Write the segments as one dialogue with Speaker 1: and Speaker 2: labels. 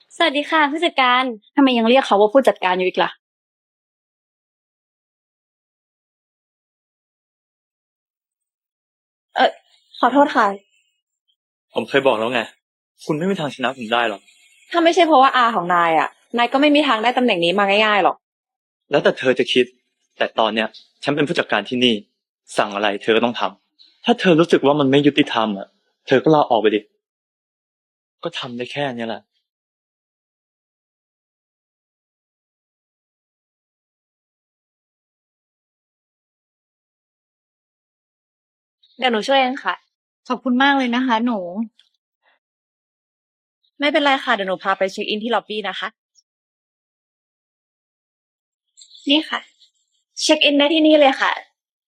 Speaker 1: สวัสดีค่ะผู้จัดการทำไมยังเรียกเขาว่าผู้จัดการอยู่อีกล่ะเออขอโทษค่ะ
Speaker 2: ผมเคยบอกแล้วไง คุณไม่มีทางชนะผมได้หรอก
Speaker 1: ถ้าไม่ใช่เพราะว่าอาของนายอ่ะนายก็ไม่มีทางได้ตำแหน่งนี้มาง่ายๆหรอก
Speaker 2: แล้วแต่เธอจะคิด แต่ตอนเนี้ยฉันเป็นผู้จัดการที่นี่ สั่งอะไรเธอก็ต้องทำ ถ้าเธอรู้สึกว่ามันไม่ยุติธรรมอ่ะ เธอก็ลาออกไปดิ ก็ทำได้แค่เนี้ยแหละ
Speaker 1: เดี๋ยวหนูช่วยเองค่ะ
Speaker 3: ขอบคุณมากเลยนะคะหนู
Speaker 1: ไม่เป็นไรค่ะเดี๋ยวหนูพาไปเช็คอินที่ล็อบบี้นะคะนี่ค่ะเช็คอินได้ที่นี่เลยค่ะ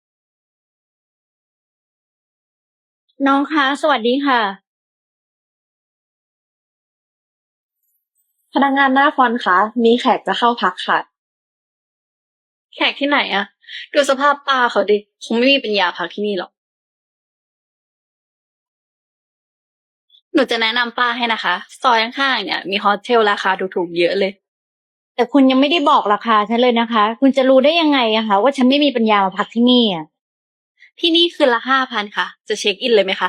Speaker 3: น้องคะสวัสดีค่ะ
Speaker 1: พนักงานหน้าฟรอนต์คะมีแขกจะเข้าพักค่ะแขกที่ไหนอะดูสภาพป้าเขาดิคงไม่มีปัญญาพักที่นี่หรอกหนูจะแนะนำป้าให้นะคะซอยข้างๆเนี่ยมีโฮสเทลราคาถูกๆเยอะเลย
Speaker 3: แต่คุณยังไม่ได้บอกราคาฉันเลยนะคะคุณจะรู้ได้ยังไงอะคะว่าฉันไม่มีปัญญามาพักที่นี่อะ
Speaker 1: ที่นี่คืนละ5,000ค่ะ จะเช็คอินเลยไหมคะ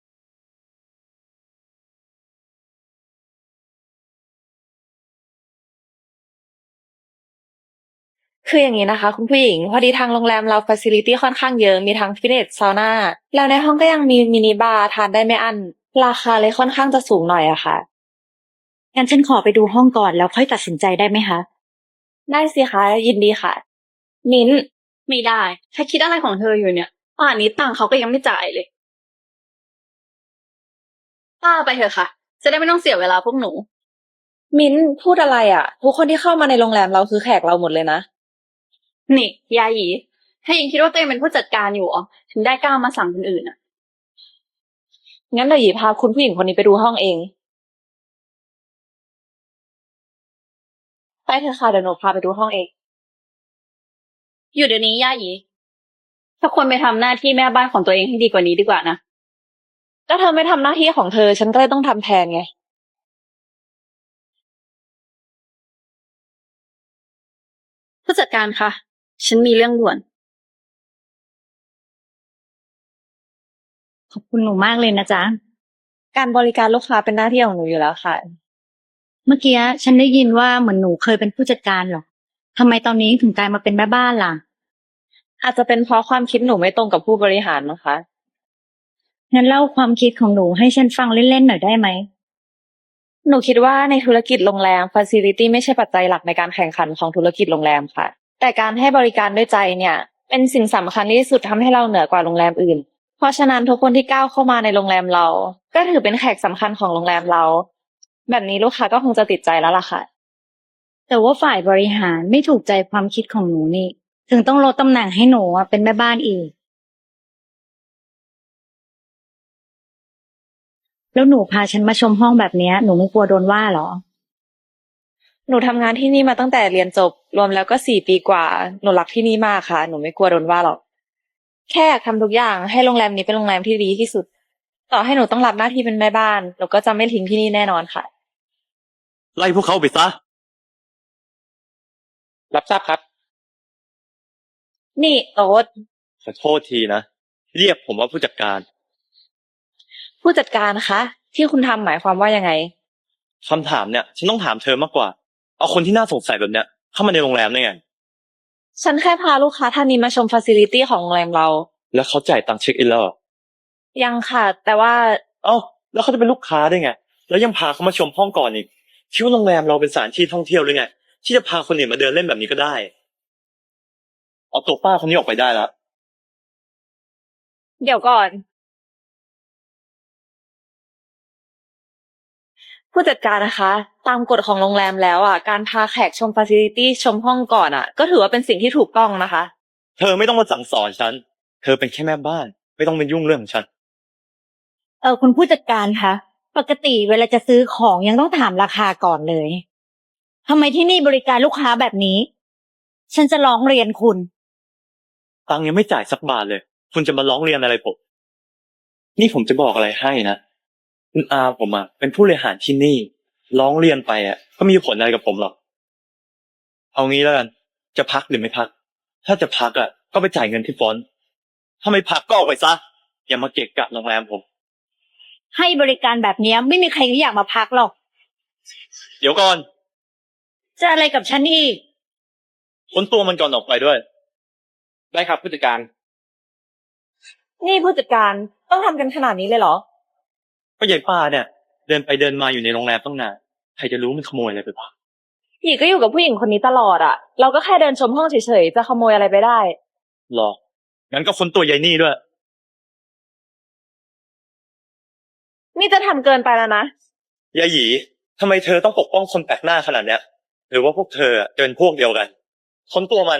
Speaker 1: คืออย่างนี้นะคะคุณผู้หญิงพอดีทางโรงแรมเราฟ a ซิลิตี้ค่อนข้างเยอะมีทั้งฟิตเนสซาวน่าแล้วในห้องก็ยังมีมินิบาร์ทานได้ไม่อั้นราคาเลยค่อนข้างจะสูงหน่อยอะค่ะ
Speaker 3: งั้นฉันขอไปดูห้องก่อนแล้วค่อยตัดสินใจได้ไหมคะ
Speaker 1: ได้สิคะยินดีค่ะมิ้นไม่ได้ถ้าคิดอะไรของเธออยู่เนี่ยป่านนี้ตังค์เขาก็ยังไม่จ่ายเลยป้าไปเถอะค่ะจะได้ไม่ต้องเสียเวลาพวกหนูมิ้นพูดอะไรอะทุกคนที่เข้ามาในโรงแรมเราคือแขกเราหมดเลยนะนี่ยาหยีถ้ายังคิดว่าตัวเองเป็นผู้จัดการอยู่อ๋อถึงได้กล้ามาสั่งคนอื่นอะงั้นเดี๋ยวหยีพาคุณผู้หญิงคนนี้ไปดูห้องเองไปเถอะค่ะเดี๋ยวหนูพาไปดูห้องเองอยู่เดี๋ยวนี้ย่าหยีถ้าควรไปทำหน้าที่แม่บ้านของตัวเองให้ดีกว่านี้ดีกว่านะถ้าเธอไม่ทำหน้าที่ของเธอฉันก็เลยต้องทำแทนไงผู้จัดการคะฉันมีเรื่องด่วน
Speaker 3: ขอบคุณหนูมากเลยนะจ๊ะ
Speaker 1: การบริการลูกค้าเป็นหน้าที่ของหนูอยู่แล้วค่ะ
Speaker 3: เมื่อกี้ฉันได้ยินว่าเหมือนหนูเคยเป็นผู้จัดการเหรอทำไมตอนนี้ถึงกลายมาเป็นแม่บ้านล่ะ
Speaker 1: อาจจะเป็นเพราะความคิดหนูไม่ตรงกับผู้บริหารมั้งคะ
Speaker 3: งั้นเล่าความคิดของหนูให้ฉันฟังเล่นๆหน่อยได้ไหม
Speaker 1: หนูคิดว่าในธุรกิจโรงแรม Facility ไม่ใช่ปัจจัยหลักในการแข่งขันของธุรกิจโรงแรมค่ะแต่การให้บริการด้วยใจเนี่ยเป็นสิ่งสำคัญที่สุดทำให้เราเหนือกว่าโรงแรมอื่นเพราะฉะนั้นทุกคนที่ก้าวเข้ามาในโรงแรมเราก็ถือเป็นแขกสำคัญของโรงแรมเราแบบนี้ลูกค้าก็คงจะติดใจแล้วล่ะค่ะ
Speaker 3: แต่ว่าฝ่ายบริหารไม่ถูกใจความคิดของหนูนี่ถึงต้องลดตำแหน่งให้หนูอะเป็นแม่บ้านอีก แล้วหนูพาฉันมาชมห้องแบบเนี้ยหนูไม่กลัวโดนว่าเหรอ
Speaker 1: หนูทำงานที่นี่มาตั้งแต่เรียนจบรวมแล้วก็4 ปีกว่าหนูรักที่นี่มากค่ะหนูไม่กลัวโดนว่าหรอกแค่อยากทำทุกอย่างให้โรงแรมนี้เป็นโรงแรมที่ดีที่สุดต่อให้หนูต้องรับหน้าที่เป็นแม่บ้านหนูก็จะไม่ทิ้งที่นี่แน่นอนค่ะ
Speaker 2: ไล่พวกเขาไปซะ รับทราบครับ
Speaker 1: นี่โอ๊ต
Speaker 2: ขอโทษทีนะ เรียกผมว่าผู้จัดการ
Speaker 1: ผู้จัดการนะคะที่คุณทำหมายความว่ายังไง
Speaker 2: คำถามเนี่ยฉันต้องถามเธอมากกว่า เอาคนที่น่าสงสัยแบบเนี้ยเข้ามาในโรงแรมได้ไง
Speaker 1: ฉันแค่พาลูกค้าท่านนี้มาชมฟ a ซิลิตี้ของโรงแรมเรา
Speaker 2: แล้วเขาจ่ายตังค์เช็คอินแล้วเหรอ
Speaker 1: ยังค่ะแต่ว่า
Speaker 2: เอ้าแล้วเขาจะเป็นลูกค้าได้ไง แล้วยังพาเขามาชมห้องก่อนอีกคิดว่าโรงแรมเราเป็นสถานที่ท่องเที่ยวหรือไงที่จะพาคนอื่นมาเดินเล่นแบบนี้ก็ได้เอาตัวป้าคนนี้ออกไปได้ละ
Speaker 1: เดี๋ยวก่อนผู้จัดการนะคะตามกฎของโรงแรมแล้วอ่ะการพาแขกชมฟ a ซิลิตี้ชมห้องก่อนอ่ะก็ถือว่าเป็นสิ่งที่ถูกต้องนะคะ
Speaker 2: เธอไม่ต้องมาสั่งสอนฉันเธอเป็นแค่แม่บ้านไม่ต้องเป็นยุ่งเรื่องของฉัน
Speaker 3: คุณผู้จัดการคะปกติเวลาจะซื้อของยังต้องถามราคาก่อนเลยทำไมที่นี่บริการลูกค้าแบบนี้ฉันจะร้องเรียนคุณ
Speaker 2: ตังค์ยังไม่จ่ายสักบาทเลยคุณจะมาร้องเรียนอะไรผมนี่ผมจะบอกอะไรให้นะคุณอาผมอ่ะเป็นผู้บริหารที่นี่ร้องเรียนไปก็มีผลอะไรกับผมหรอกเอางี้แล้วกันจะพักหรือไม่พัก ถ้าจะพักก็ไปจ่ายเงินที่ฟอนต์ถ้าไม่พักก็ออกไปซะอย่ามาเกะกะโรงแรมผม
Speaker 3: ให้บริการแบบเนี้ยไม่มีใครเขาอยากมาพักหรอก
Speaker 2: เดี๋ยวก่อน
Speaker 3: จะอะไรกับฉันอีก
Speaker 2: ค้นตัวมันก่อนออกไปด้วย
Speaker 4: ได้ครับผู้จัดการ
Speaker 1: นี่ผู้จัดการต้องทำกันขนาดนี้เลยเหรอ
Speaker 2: ก็ยายป้าเนี่ย เดินไปเดินมาอยู่ในโรงแรมตั้งนานใครจะรู้มันขโมยอะไรไปบ้าง
Speaker 1: หยีก็อยู่กับผู้หญิงคนนี้ตลอดอะเราก็แค่เดินชมห้องเฉยๆจะขโมยอะไรไปได้
Speaker 2: หรองั้นก็ค้นตัวยายนี่ด้วย
Speaker 1: นี่จะทำเกินไปแล้วนะ
Speaker 2: ยายหยีทำไมเธอต้องปกป้องคนแปลกหน้าขนาดเนี้ย หรือว่าพวกเธอจะเป็นพวกเดียวกัน ค้นตัวมัน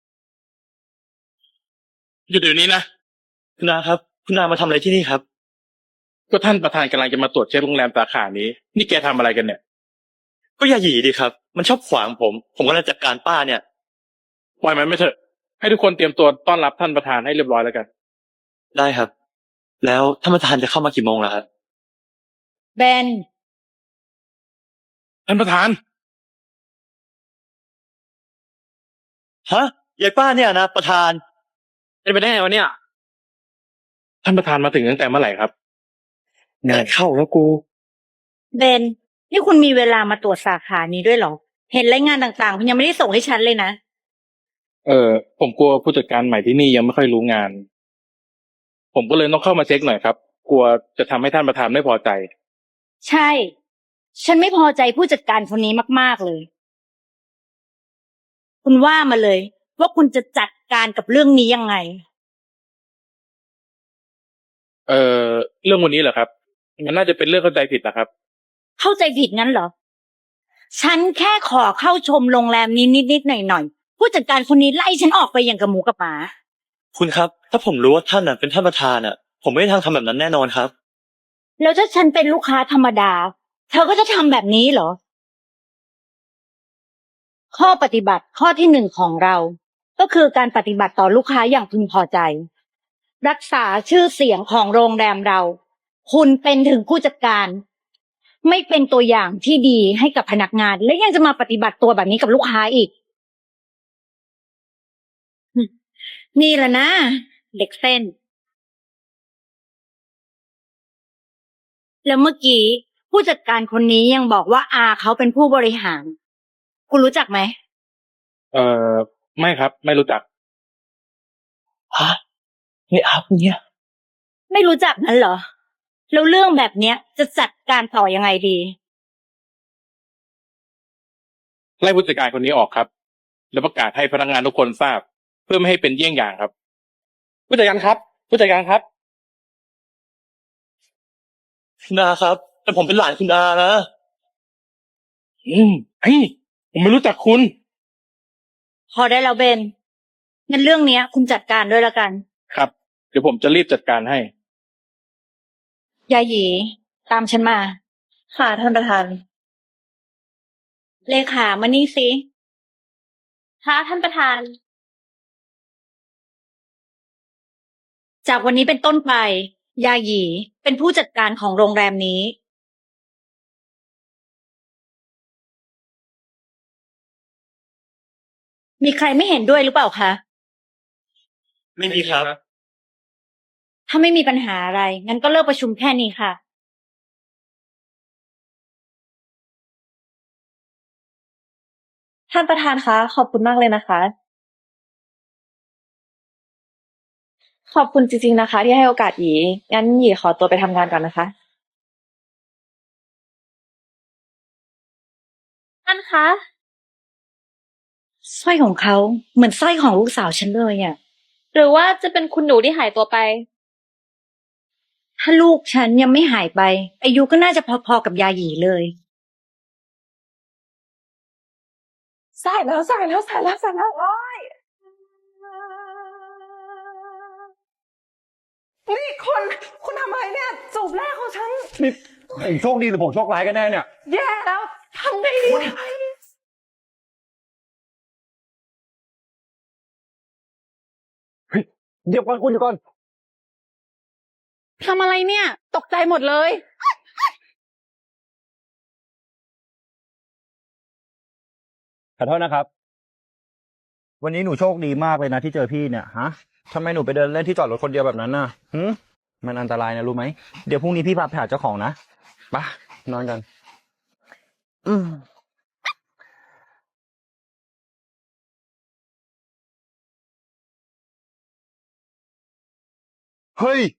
Speaker 4: หยุดเดี๋ยวนี้นะ
Speaker 2: คุณนาครับ คุณนามาทำอะไรที่นี่ครับ
Speaker 4: ก็ท่านประธานกำลังจะมาตรวจเช็คโรงแรมสาขานี้ นี่แกทำอะไรกันเนี่ย
Speaker 2: ก็ยายหยีดีครับ มันชอบขวางผมกำลังจัดการป้าเนี่ย
Speaker 4: ปล่อยมันไม่เถอะ ให้ทุกคนเตรียมตัวต้อนรับท่านประธานให้เรียบร้อยแล้วกัน
Speaker 2: ได้ครับ แล้วท่านประธานจะเข้ามากี่โมงล่ะครับ
Speaker 3: เบน
Speaker 4: ท่านประธาน
Speaker 2: ฮะยายป้าเนี่ยนะประธาน
Speaker 4: เป็นไปได้ไงวะเนี่ย ท่านประธานมาถึงตั้งแต่เมื่อไหร่ครับ
Speaker 2: งานเข้าแล้วกู
Speaker 3: เบน นี่คุณมีเวลามาตรวจสาขานี้ด้วยเหรอ เห็นรายงานต่างๆคุณยังไม่ได้ส่งให้ฉันเลยนะ
Speaker 4: ผมกลัวผู้จัดการใหม่ที่นี่ยังไม่ค่อยรู้งาน ผมก็เลยต้องเข้ามาเช็คหน่อยครับ กลัวจะทำให้ท่านประธานไม่พอใจ
Speaker 3: ใช่ ฉันไม่พอใจผู้จัดการคนนี้มากๆเลย คุณว่ามาเลย ว่าคุณจะจัดการกับเรื่องนี้ยังไง
Speaker 4: เรื่องวันนี้เหรอครับ มันน่าจะเป็นเรื่องเข้าใจผิดนะครับ
Speaker 3: เข้าใจผิดงั้นเหรอ ฉันแค่ขอเข้าชมโรงแรมนี้นิดๆหน่อยๆ ผู้จัดการคนนี้ไล่ฉันออกไปอย่างกับหมูกับหมา
Speaker 2: คุณครับ ถ้าผมรู้ว่าท่านเป็นท่านประธานผมไม่ได้ทำแบบนั้นแน่นอนครับ
Speaker 3: แล้วถ้าฉันเป็นลูกค้าธรรมดา เธอก็จะทำแบบนี้เหรอ ข้อปฏิบัติข้อที่หนึ่งของเรา ก็คือการปฏิบัติต่อลูกค้าอย่างพึงพอใจ รักษาชื่อเสียงของโรงแรมเรา คุณเป็นถึงผู้จัดการ ไม่เป็นตัวอย่างที่ดีให้กับพนักงาน และยังจะมาปฏิบัติตัวแบบนี้กับลูกค้าอีก นี่แหละนะเด็กเส้น แล้วเมื่อกี้ผู้จัดการคนนี้ยังบอกว่าอาเขาเป็นผู้บริหาร คุณรู้จักไหม
Speaker 4: ไม่ครับ ไม่รู้จัก
Speaker 2: ฮะนี่อัพเนี่ย
Speaker 3: ไม่รู้จักนั้นเหรอ แล้วเรื่องแบบเนี้ยจะจัดการต่อยังไงดี
Speaker 4: ไล่ผู้จัดการคนนี้ออกครับ แล้วประกาศให้พนักงานทุกคนทราบ เพื่อไม่ให้เป็นเยี่ยงอย่างครับ ผู้จัดการครับ ผู้จัดการครับ
Speaker 2: คุณนาครับ แต่ผมเป็นหลานคุณนานะ
Speaker 4: ผมไม่รู้จักคุณ
Speaker 3: พอได้แล้วเบน งั้นเรื่องเนี้ย คุณจัดการด้วยละกัน
Speaker 4: ครับ เดี๋ยวผมจะรีบจัดการให้
Speaker 3: ยาหยีตามฉันมา
Speaker 1: ค่ะท่านประธาน
Speaker 3: เลขามานี่สิ
Speaker 1: ค่ะท่านประธาน
Speaker 3: จากวันนี้เป็นต้นไป ยาหยีเป็นผู้จัดการของโรงแรมนี้ มีใครไม่เห็นด้วยหรือเปล่าคะ
Speaker 2: ไม่มีครับ
Speaker 3: ถ้าไม่มีปัญหาอะไร งั้นก็เลิกประชุมแค่นี้ค่ะ
Speaker 1: ท่านประธานคะ ขอบคุณมากเลยนะคะ ขอบคุณจริงๆนะคะ ที่ให้โอกาสหยี งั้นหยีขอตัวไปทำงานก่อนนะคะ ท่านคะ
Speaker 3: สร้อยของเขาเหมือนสร้อยของลูกสาวฉันเลยอ่ะ
Speaker 1: หรือว่าจะเป็นคุณหนูที่หายตัวไป
Speaker 3: ถ้าลูกฉันยังไม่หายไป อายุก็น่าจะพอๆกับยาหยีเลย
Speaker 1: ใส่แล้วโอ้ย
Speaker 5: นี่คุณทำอะไรเนี่ยจูบแรกของฉัน
Speaker 6: นี่ผมโชคดีหรือผมโชคร้ายกันแน่เนี่ย
Speaker 5: แย่แล้วทำไงดีเนี่ย
Speaker 6: เดี๋ยวก่อนคุณเดี๋ยวก่อน
Speaker 5: ทำอะไรเนี่ย ตกใจหมดเลย
Speaker 6: ขอโทษนะครับ วันนี้หนูโชคดีมากเลยนะที่เจอพี่เนี่ยฮะทำไมหนูไปเดินเล่นที่จอดรถคนเดียวแบบนั้นน่ะมันอันตรายนะรู้ไหมเดี๋ยวพรุ่งนี้พี่พาไปหาเจ้าของนะไปนอนกัน เฮ้ย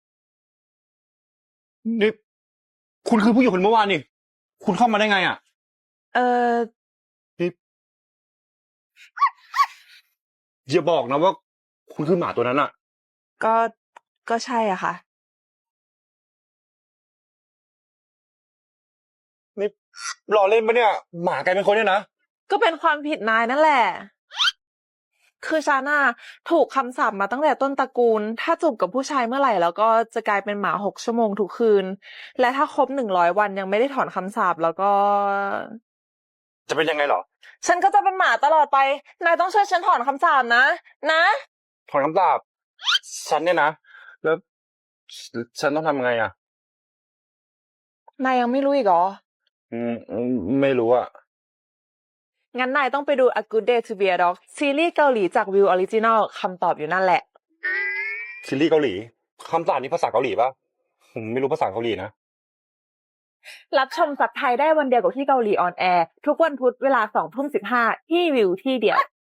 Speaker 6: นี่คุณคือผู้หญิงคนเมื่อวานนี่คุณเข้ามาได้ไงอ่ะ
Speaker 5: เออ
Speaker 6: นี่อย่าบอกนะว่า คุณคือหมาตัวนั้นอ่ะ
Speaker 5: ก็ก็ใช่อ่ะค่ะ
Speaker 6: นี่รอเล่นปะเนี่ย หมากลายเป็นคนเนี่ยนะ
Speaker 5: ก็เป็นความผิดนายนั่นแหละ คือฉันน่ะถูกคำสาปมาตั้งแต่ต้นตระกูล ถ้าจูบกับผู้ชายเมื่อไหร่แล้วก็จะกลายเป็นหมา6 ชั่วโมงทุกคืน และถ้าครบ100 วันยังไม่ได้ถอนคำสาปแล้วก็
Speaker 6: จะเป็นยังไงเหรอ
Speaker 5: ฉันก็จะเป็นหมาตลอดไป นายต้องช่วยฉันถอนคำสาปนะ นะ
Speaker 6: ถอนคำสาปฉันเนี่ยนะ แล้วฉันต้องทำยังไงอ่ะ
Speaker 5: นายยังไม่รู้อีกเหรอ
Speaker 6: ไม่รู้อ่ะ
Speaker 5: งั้นนายต้องไปดู A Good Day to Be a Dog ซีรีส์เกาหลีจากวิวออริจินอลคำตอบอยู่นั่นแหละ
Speaker 6: ซีรีส์เกาหลีคำสาปนี่ภาษาเกาหลีปะผมไม่รู้ภาษาเกาหลีนะ
Speaker 5: รับชมซับไทยได้วันเดียวกับที่เกาหลีออนแอร์ทุกวันพุธเวลา 20:15 ที่วิวที่เดียว